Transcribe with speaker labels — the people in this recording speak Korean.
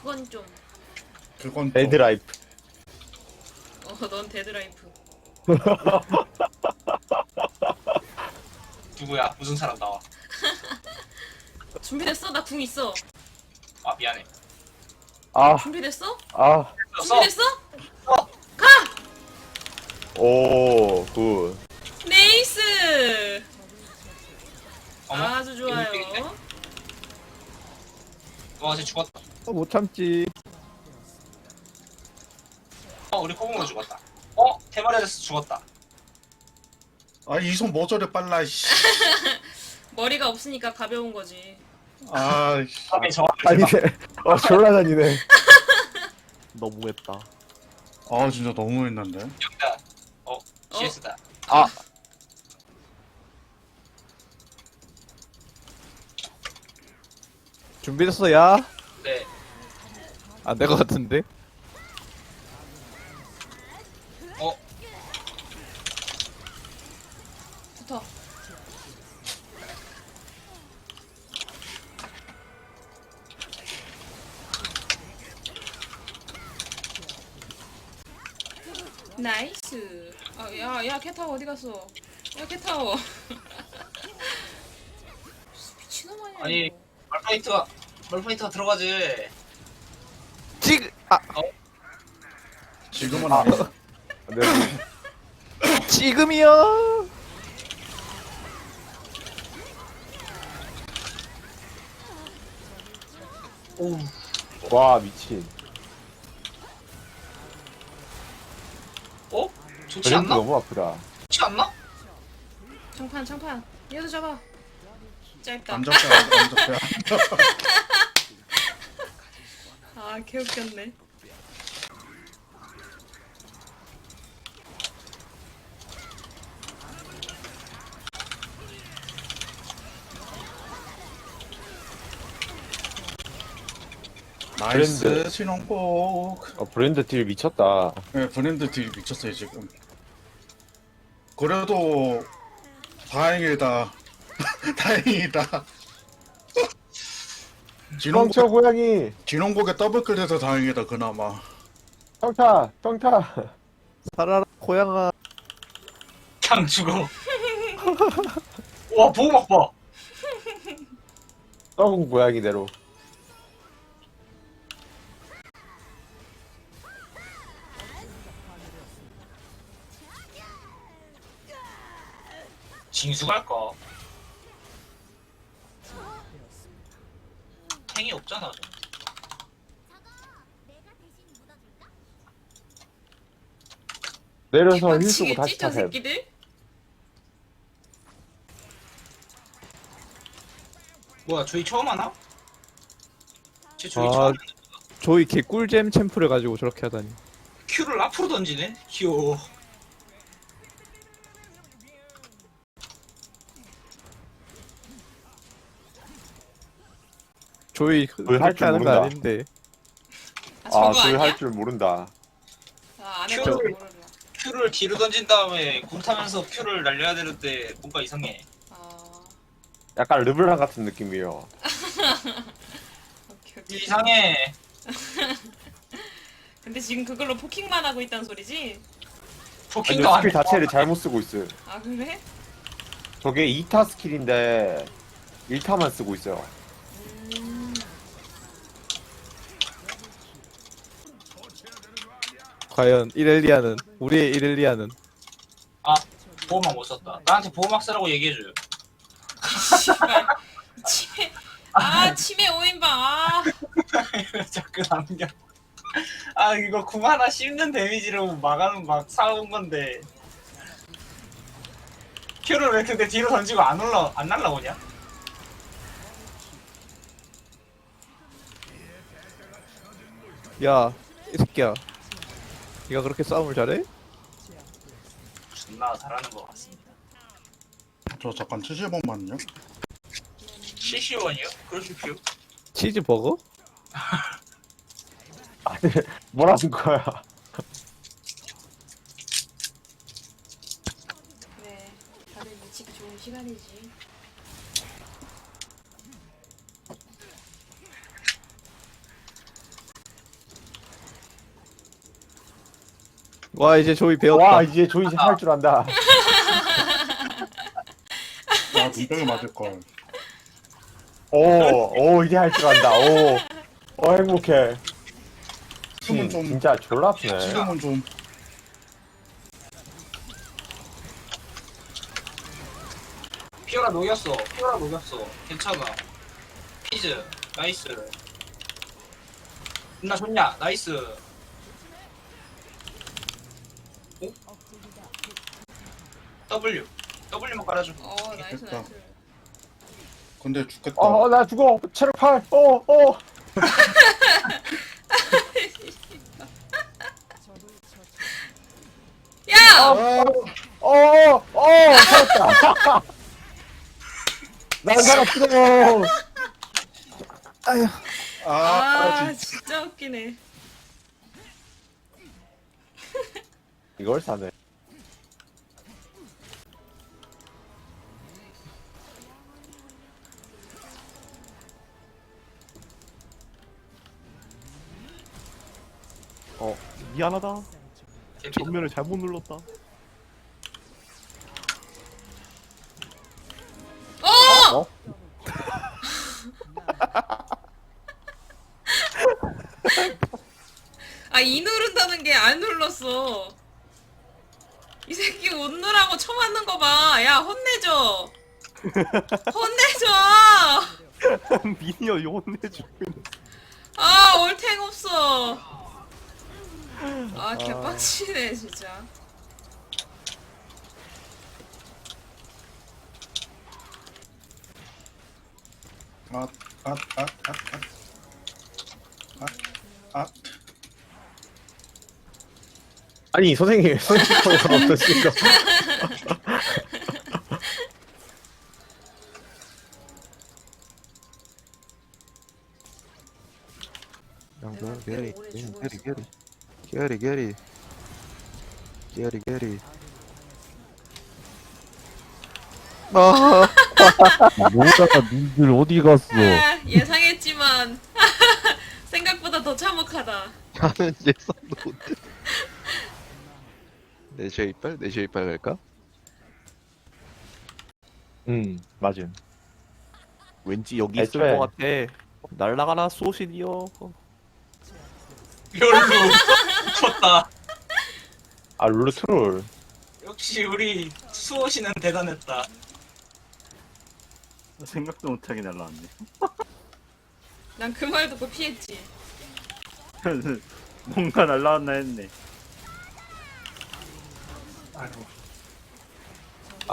Speaker 1: 그건 좀.
Speaker 2: 그건 좀
Speaker 3: 데드라이프.
Speaker 1: 넌 데드라이프.
Speaker 4: 누구야? 무슨 사람 나와?
Speaker 1: 준비됐어? 나 궁 있어.
Speaker 4: 아 미안해.
Speaker 3: 아,
Speaker 1: 준비됐어?
Speaker 3: 아,
Speaker 4: 써.
Speaker 1: 준비됐어?
Speaker 4: 써.
Speaker 1: 가!
Speaker 3: 오, 굿.
Speaker 1: 네이스!
Speaker 4: 어머?
Speaker 1: 아주 좋아요.
Speaker 4: 와, 쟤 죽었다.
Speaker 3: 못 참지.
Speaker 4: 우리 코봉으로 죽었다. 테마레데스 죽었다.
Speaker 2: 아 이 손 뭐 저래 빨라 씨.
Speaker 1: 머리가 없으니까 가벼운 거지.
Speaker 2: 아
Speaker 4: 다음에 저
Speaker 3: 아니네. 졸라 다니네. 너무했다.
Speaker 2: 아 진짜 너무했는데.
Speaker 4: 여기다. CS다.
Speaker 3: 아, 준비됐어, 야?
Speaker 4: 네.
Speaker 3: 안 될 것 같은데?
Speaker 1: 붙어. 나이스. 야, 캣타워 어디 갔어? 야, 캣타워. 미친놈 아니야?
Speaker 4: 아니,
Speaker 1: 이거.
Speaker 4: 말파이트가 들어가지.
Speaker 3: 지금,
Speaker 2: 지금은 아니.
Speaker 3: 네. 지금이요.
Speaker 4: 오.
Speaker 3: 와, 미친.
Speaker 4: 좋지
Speaker 3: 브랜드
Speaker 4: 않나?
Speaker 3: 너무 아프다.
Speaker 4: 좋지 않나?
Speaker 1: 장판. 얘도 잡아. 짧다.
Speaker 2: 안 잡혀 안 잡혀.
Speaker 1: 아, 개웃겼네.
Speaker 2: 나이스
Speaker 3: 브랜드.
Speaker 2: 신혼곡.
Speaker 3: 브랜드 딜 미쳤다.
Speaker 2: 네, 브랜드 딜 미쳤어요 지금. 그래도 다행이다. 다행이다.
Speaker 3: 멍청 고양이.
Speaker 2: 진홍곡에 더블클해서 다행이다 그나마.
Speaker 3: 평타. 살아라, 고양아.
Speaker 4: 그냥 죽어. 와, 보호막 봐.
Speaker 3: 썩은 고양이대로.
Speaker 4: 징수 갈까? 탱이 없잖아.
Speaker 3: 내려서 힐 쓰고
Speaker 1: 미치겠지,
Speaker 3: 다시
Speaker 1: 저
Speaker 3: 타셈.
Speaker 1: 새끼들?
Speaker 4: 뭐야, 저희 처음 하나? 쟤 저희
Speaker 3: 아.
Speaker 4: 처음 하나?
Speaker 5: 조이 개꿀잼 챔프를 가지고 저렇게 하다니.
Speaker 4: 큐를 앞으로 던지네? 귀여워.
Speaker 5: 조이
Speaker 3: 할
Speaker 5: 그렇게
Speaker 3: 줄
Speaker 5: 하는 거
Speaker 3: 모른다.
Speaker 5: 아닌데.
Speaker 1: 저거
Speaker 3: 저희
Speaker 1: 아니야?
Speaker 3: 할 줄 모른다.
Speaker 1: 안 해봐서
Speaker 4: 큐를-
Speaker 1: 모르나.
Speaker 4: 큐를 뒤로 던진 다음에 굴 타면서 큐를 날려야 되는데 뭔가 이상해.
Speaker 3: 약간 르블랑 같은 느낌이에요.
Speaker 1: 오케이.
Speaker 4: 이상해.
Speaker 1: 근데 지금 그걸로 포킹만 하고 있다는 소리지?
Speaker 3: 아니,
Speaker 4: 포킹도 안
Speaker 3: 스킬
Speaker 4: 해.
Speaker 3: 자체를 잘못 쓰고 있어요.
Speaker 1: 아, 그래?
Speaker 3: 저게 2타 스킬인데 1타만 쓰고 있어요.
Speaker 5: 과연 이렐리아는 우리의 이렐리아는
Speaker 4: 보호막 못 썼다. 나한테 보호막 쓰라고 얘기해줘요.
Speaker 1: 씨발. 치매. 치매 5인방.
Speaker 4: 자꾸 남겨. 이거 궁 하나 씹는 데미지로 막 사온 건데. 큐를 왜 근데 뒤로 던지고 안 날라오냐?
Speaker 5: 야, 이 새끼야. 네가 그렇게 싸움을 잘해?
Speaker 4: 존나 잘하는 것 같습니다.
Speaker 2: 저 잠깐 70원만요.
Speaker 4: 70원이요? 그러십시오.
Speaker 5: 치즈버거?
Speaker 3: 뭐라는 거야?
Speaker 1: 그래. 다들 미치기 좋은 시간이지.
Speaker 5: 와 이제 조이 배웠다.
Speaker 3: 와 이제 조이 할 줄 안다.
Speaker 2: 아 눈병이 맞을걸.
Speaker 3: 오 이제 할 줄 안다. 오 행복해.
Speaker 2: 지금은 좀
Speaker 3: 진짜 졸라 아프네.
Speaker 2: 지금은 좀
Speaker 4: 피오라 녹였어. 피오라 녹였어. 괜찮아. 피즈. 나이스. 나 좋냐? 나이스. 오? W. W만 깔아줘.
Speaker 1: 나이스
Speaker 2: 됐다.
Speaker 1: 나이스.
Speaker 2: 근데 죽겠다.
Speaker 3: 나 죽어. 체력 8.
Speaker 1: 야!
Speaker 3: 살았다. 난 살았어.
Speaker 1: 아 진짜 웃기네.
Speaker 3: 이걸 사네.
Speaker 5: 미안하다.
Speaker 4: 개피다.
Speaker 5: 전면을 잘못 눌렀다.
Speaker 3: 어?
Speaker 1: 이 누른다는 게 안 눌렀어. 이 새끼 웃느라고 쳐맞는 거 봐. 야 혼내줘. 혼내줘.
Speaker 5: 미니어 혼내줘.
Speaker 1: 올탱 없어. 개빡치네 진짜.
Speaker 3: 아니 선생님 선생님 어떠신가?
Speaker 1: 내가
Speaker 6: 게리
Speaker 1: 오래
Speaker 6: 게리
Speaker 1: 죽어
Speaker 6: 게리
Speaker 1: 있어.
Speaker 6: 게리 게리 게리 게리
Speaker 7: 뭐다가 니들 어디 갔어?
Speaker 1: 예상했지만 생각보다 더 참혹하다.
Speaker 6: 나는 예상도 못해 내셔 이빨? 내셔 이빨 갈까?
Speaker 3: 맞음.
Speaker 5: 왠지 여기 있을
Speaker 3: 애초에.
Speaker 5: 것 같아. 날라가라 소신이여.
Speaker 4: 롤루. 쳤다.
Speaker 3: 룰루 트롤.
Speaker 4: 역시 우리 수호씨는 대단했다.
Speaker 8: 생각도 못하게 날라왔네.
Speaker 1: 난 그 말 듣고 피했지.
Speaker 8: 뭔가 날라왔나 했네.
Speaker 2: 아이고.